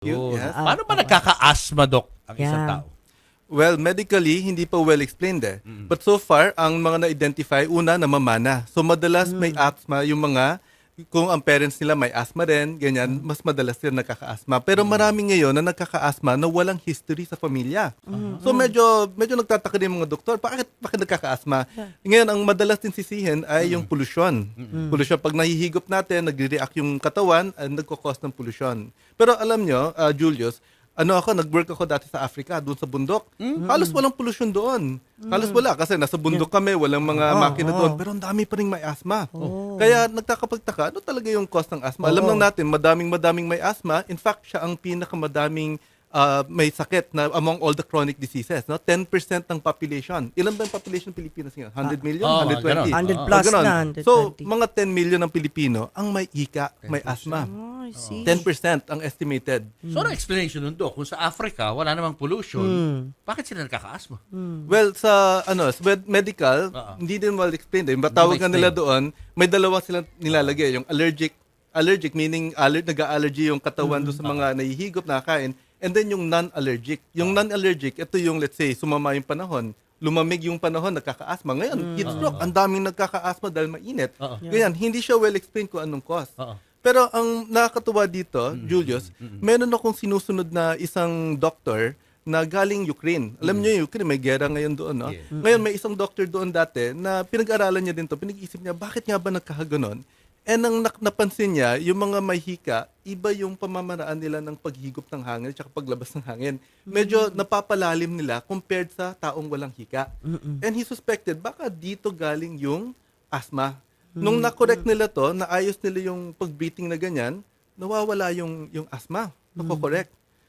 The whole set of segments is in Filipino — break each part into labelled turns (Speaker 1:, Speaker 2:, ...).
Speaker 1: Yes.
Speaker 2: Paano ba nagkaka-asthma, Doc, ang isang
Speaker 3: Yeah.
Speaker 2: tao?
Speaker 1: Well, medically, hindi pa well explained eh. But so far, ang mga na-identify, una, namamana. So madalas may asthma yung mga, kung ang parents nila may asthma rin, ganyan, mas madalas sila nagkaka-asthma. Pero marami ngayon na nagkaka-asthma na walang history sa pamilya. So medyo nagtataka din yung mga doktor, bakit nagkaka-asthma? Ngayon, ang madalas din sisihin ay yung pollution. Pollution, pag nahihigop natin, nagre-react yung katawan, nagkakos ng pollution. Pero alam nyo, Julius, nag-work ako dati sa Africa, doon sa bundok. Halos walang pollution doon. Halos wala kasi nasa bundok kami, walang mga makina doon. Pero ang dami pa rin may asthma. Kaya nagkakapagtaka, ano talaga yung cause ng asthma? Alam lang natin, madaming may asthma. In fact, siya ang pinakamadaming may sakit na among all the chronic diseases. No? 10% ng population. Ilan ba yung population ng Pilipinas ngayon? 100 million? 120?
Speaker 3: 100 plus
Speaker 1: Ganon.
Speaker 3: na, 120.
Speaker 1: So, mga 10 million ng Pilipino ang may hika, may asthma.
Speaker 3: Oh, I see.
Speaker 1: 10% ang estimated.
Speaker 2: So, ano explanation nun, Doc? Kung sa Africa, wala namang pollution, bakit sila nagkaka-asthma?
Speaker 1: Well, sa medical, hindi din well explained. Batawag nga nila doon, may dalawa silang nilalagay. Yung allergic meaning nag-allergy yung katawan doon sa mga nahihigop, nakakain. And then yung non-allergic. Yung non-allergic, ito yung let's say, sumama yung panahon. Lumamig yung panahon, nagkaka-asthma. Ngayon, heat stroke, ang daming nagkaka-asthma dahil mainit. Ganyan, hindi siya well explained kung anong cause. Pero ang nakakatuwa dito, Julius, meron akong sinusunod na isang doctor na galing Ukraine. Alam niyo yung Ukraine, may gera ngayon doon. No?
Speaker 2: Yeah.
Speaker 1: Ngayon, may isang doctor doon dati na pinag-aralan niya din to. Pinag-isip niya, bakit nga ba nagkakaganon? And ang napansin niya, yung mga may hika, iba yung pamamaraan nila ng paghigop ng hangin at paglabas ng hangin. Medyo napapalalim nila compared sa taong walang hika. And he suspected, baka dito galing yung asthma. Nung na-correct nila to, naayos nila yung pag-breathing na ganyan, nawawala yung asthma. Nako-correct.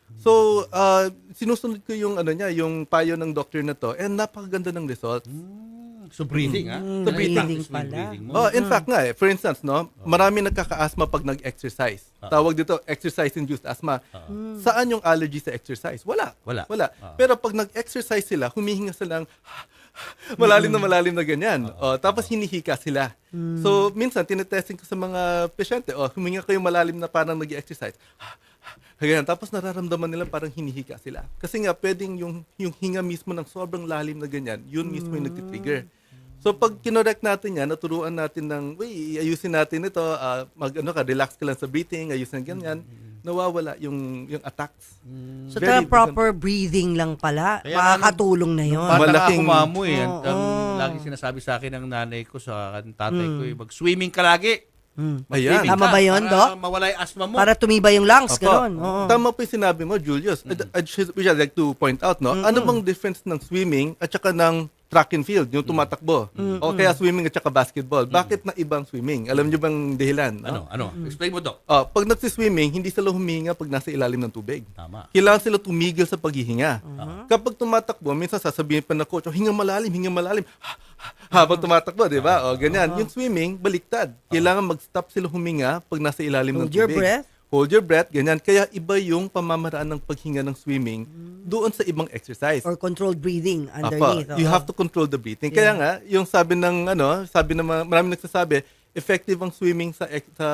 Speaker 1: So, sinusunod ko yung yung payo ng doctor na to and napakaganda ng result.
Speaker 2: So, breathing, ha?
Speaker 1: So, breathing
Speaker 3: pala.
Speaker 1: In fact nga for instance, marami nagkaka-asthma pag nag-exercise. Tawag dito, exercise-induced asthma. Saan yung allergy sa exercise? Wala. Pero pag nag-exercise sila, humihinga silang malalim na ganyan. Tapos hinihika sila. So, minsan, tinetesting ko sa mga pasyente, huminga kayo malalim na parang nag-exercise. Ganyan. Tapos nararamdaman nila parang hinihika sila. Kasi nga, pwedeng yung hinga mismo ng sobrang lalim na ganyan, yun mismo yung nagtitrigger. So pag kinorek natin yan, naturuan natin ng, ayusin natin ito, relax ka lang sa breathing, ayusin ganyan, nawawala yung attacks.
Speaker 3: So, proper breathing lang pala.
Speaker 2: Kaya
Speaker 3: Makakatulong na yun.
Speaker 2: Parang
Speaker 1: Malaking-
Speaker 2: nakakumamo eh. Ang lagi sinasabi sa akin ng nanay ko sa tatay ko, mag-swimming ka lagi.
Speaker 1: Ayan.
Speaker 3: Tama ba yun, Doc?
Speaker 2: Para mawala yung asthma mo.
Speaker 3: Para tumibay yung lungs,
Speaker 1: Opo.
Speaker 3: gano'n. Oo.
Speaker 1: Tama po yung sinabi mo, Julius. Which I'd like to point out, no? Ano bang difference ng swimming at saka ng track and field, yung tumatakbo? O kaya swimming at saka basketball. Bakit na ibang swimming? Alam niyo bang dahilan? No?
Speaker 2: Ano? Explain mo, Doc.
Speaker 1: Pag nagsiswimming, hindi sila humihinga pag nasa ilalim ng tubig.
Speaker 2: Tama.
Speaker 1: Kailangan sila tumigil sa paghihinga. Kapag tumatakbo, minsan sasabihin pa ng coach, hinga malalim. Habang tumatakbo, di ba? Ganyan. Yung swimming, baliktad. Kailangan mag-stop sila huminga pag nasa ilalim ng
Speaker 3: Hold
Speaker 1: tubig.
Speaker 3: your breath.
Speaker 1: Hold your breath, ganyan. Kaya iba yung pamamaraan ng paghinga ng swimming doon sa ibang exercise.
Speaker 3: Or controlled breathing underneath.
Speaker 1: You have to control the breathing. Kaya nga, yung sabi ng maraming nagsasabi, effective ang swimming sa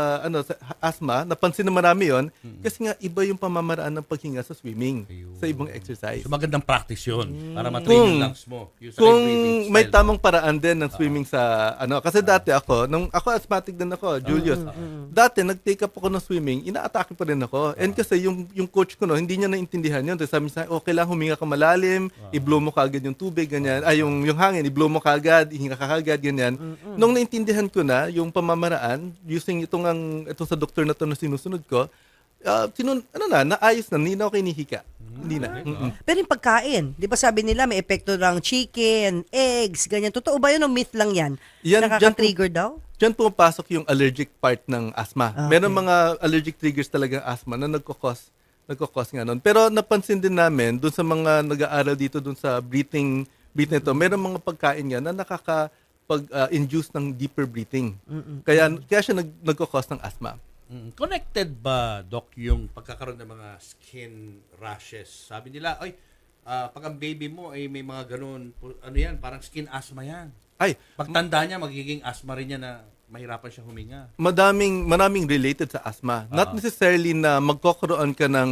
Speaker 1: asthma. Napansin na marami yon kasi nga iba yung pamamaraan ng paghinga sa swimming, sa ibang exercise.
Speaker 2: So magandang practice yun para matrain yung lungs mo. Yung sa
Speaker 1: Kung
Speaker 2: breathing
Speaker 1: may
Speaker 2: style
Speaker 1: tamang paraan din ng swimming sa kasi dati nung ako asthmatic din ako, Julius. Dati nag-take up ako ng swimming, ina-atake pa rin ako. And kasi yung coach ko hindi niya naintindihan yun. Sabi niya, okay lang, huminga ka malalim, i-blow mo kagad yung tubig, ganyan. Yung hangin, i-blow mo kagad, ihinga ka kagad, ganyan. Nung naintindihan ko na yung pamamaraan, using ito sa doktor na to na sinusunod ko, naayos na, hindi na ako kinihika. Hindi na.
Speaker 3: Pero yung pagkain, di ba sabi nila may epekto ng chicken, eggs, ganyan. Totoo ba yun o myth lang yan? Nakaka-trigger daw?
Speaker 1: Diyan pumapasok yung allergic part ng asthma. Meron mga allergic triggers talaga ng asthma na nagkakos nga nun. Pero napansin din namin dun sa mga nag-aaral dito dun sa breathing ito, meron mga pagkain nga na pag-induce ng deeper breathing. Kaya siya nagkakos ng asthma.
Speaker 2: Connected ba, Doc, yung pagkakaroon ng mga skin rashes? Sabi nila, pag ang baby mo ay may mga ganun, parang skin asthma yan. Pagtanda niya, magiging asthma rin niya na mahirapan siya huminga.
Speaker 1: Maraming related sa asthma. Not necessarily na magkakaroon ka ng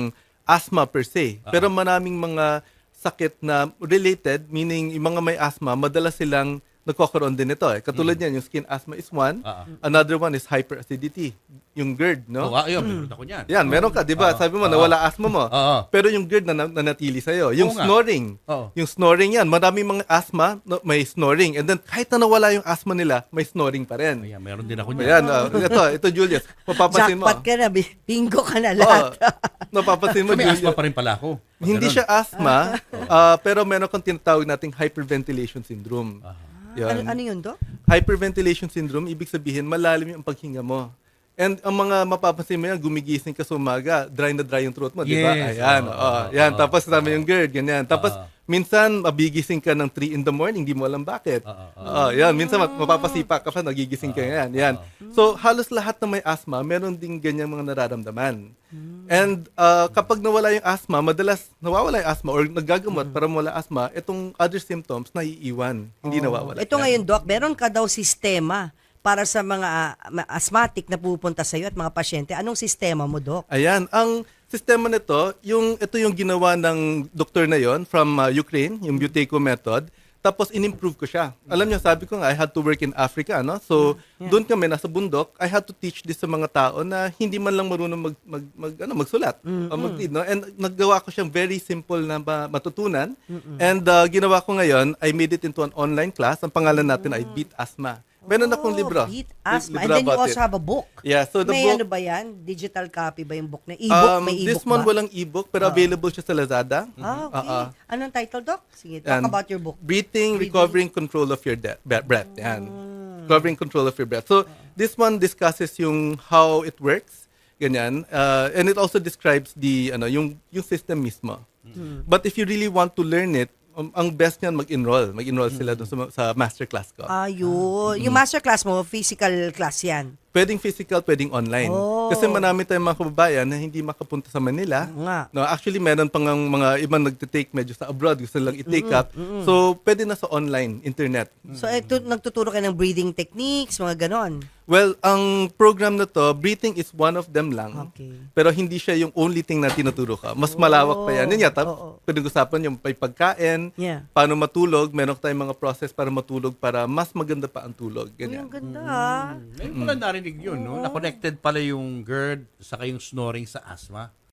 Speaker 1: asthma per se. Pero maraming mga sakit na related, meaning yung mga may asthma, madalas silang nagkakaroon din ito. Katulad niyan, yung skin asthma is one. Another one is hyperacidity, yung GERD, no?
Speaker 2: Ayun, meron ako niyan.
Speaker 1: Yan, meron ka, di ba? Sabi mo, nawala asthma mo. Pero yung GERD na nanatili sa'yo. Yung snoring. Yung snoring yan. Maraming mga asthma, may snoring. And then, kahit na nawala yung asthma nila, may snoring pa rin.
Speaker 2: Ayan, meron din ako niyan.
Speaker 1: Ayan, ito Julius. Mapapansin mo.
Speaker 3: Jackpot ka na, bingo ka na lahat.
Speaker 1: Mapapansin mo,
Speaker 2: May
Speaker 1: Julius.
Speaker 2: asthma pa rin pala ako.
Speaker 1: Hindi siya asthma, pero meron kang tinatawag nating hyperventilation syndrome.
Speaker 3: Ano yun, Doc?
Speaker 1: Hyperventilation syndrome, ibig sabihin, malalim yung paghinga mo. And ang mga mapapansin mo yan, gumigising ka sa umaga, dry na dry yung throat mo, di ba?
Speaker 2: Yes.
Speaker 1: Ayan, yan. Tapos tama yung GERD, ganyan. Tapos, minsan, mabigising ka ng 3 in the morning, di mo alam bakit. Yan, minsan mapapasipa ka pa, nagigising ka yan. Yan. So, halos lahat ng may asthma, meron din ganyang mga nararamdaman. And kapag nawala yung asthma, madalas nawawala yung asthma or nagagamot para mawala asthma, itong other symptoms naiiwan, hindi nawawala.
Speaker 3: Ito ngayon, Doc, meron ka daw sistema para sa mga asthmatic na pupunta sa iyo at mga pasyente. Anong sistema mo, Doc?
Speaker 1: Ayan, ang sistema nito, ito yung ginawa ng doktor na yon from Ukraine, yung Buteyko method. Tapos in-improve ko siya. Alam niyo, sabi ko nga, I had to work in Africa, no? So, doon kami nasa bundok, I had to teach this sa mga tao na hindi man lang marunong magsulat o mag-read, no? And naggawa ko siyang very simple na matutunan. And ginawa ko ngayon, I made it into an online class. Ang pangalan natin ay Beat Asthma. Meron akong libro.
Speaker 3: Beat Asthma. And
Speaker 1: Libro
Speaker 3: then you
Speaker 1: about
Speaker 3: also
Speaker 1: it.
Speaker 3: have a book.
Speaker 1: Yeah, so the
Speaker 3: May
Speaker 1: book,
Speaker 3: ano ba yan? Digital copy ba yung book na? E-book? May e-book
Speaker 1: this one
Speaker 3: ba?
Speaker 1: walang e-book, pero available siya sa Lazada.
Speaker 3: Okay. Anong title, Doc? Sige, talk
Speaker 1: And
Speaker 3: about your book.
Speaker 1: Breathing, recovering control of your breath. Yan. Recovering control of your breath. So, this one discusses yung how it works, ganyan. And it also describes yung system mismo. But if you really want to learn it, ang best niyan mag-enroll. Mag-enroll sila dun sa masterclass ko.
Speaker 3: Ayun. Yung masterclass mo, physical class yan.
Speaker 1: Pwedeng physical, pwedeng online. Kasi marami tayong mga kababayan na hindi makapunta sa Manila.
Speaker 3: Nga.
Speaker 1: No, actually, meron pang mga ibang nagtitake medyo sa abroad, gusto lang i-take up. So, pwede na sa online, internet.
Speaker 3: So, ito, nagtuturo ka ng breathing techniques, mga ganon.
Speaker 1: Well, ang program na to, breathing is one of them lang.
Speaker 3: Okay.
Speaker 1: Pero hindi siya yung only thing na tinuturo ka. Mas malawak pa yan. Yun yata, pinag-usapan yung may pagkain, paano matulog, meron tayong mga process para matulog para mas maganda pa ang tulog. Ganyan.
Speaker 3: Ang ganda, ah.
Speaker 2: Ngayon ko lang narinig yun, no? Na connected pala yung GERD saka yung snoring sa asthma.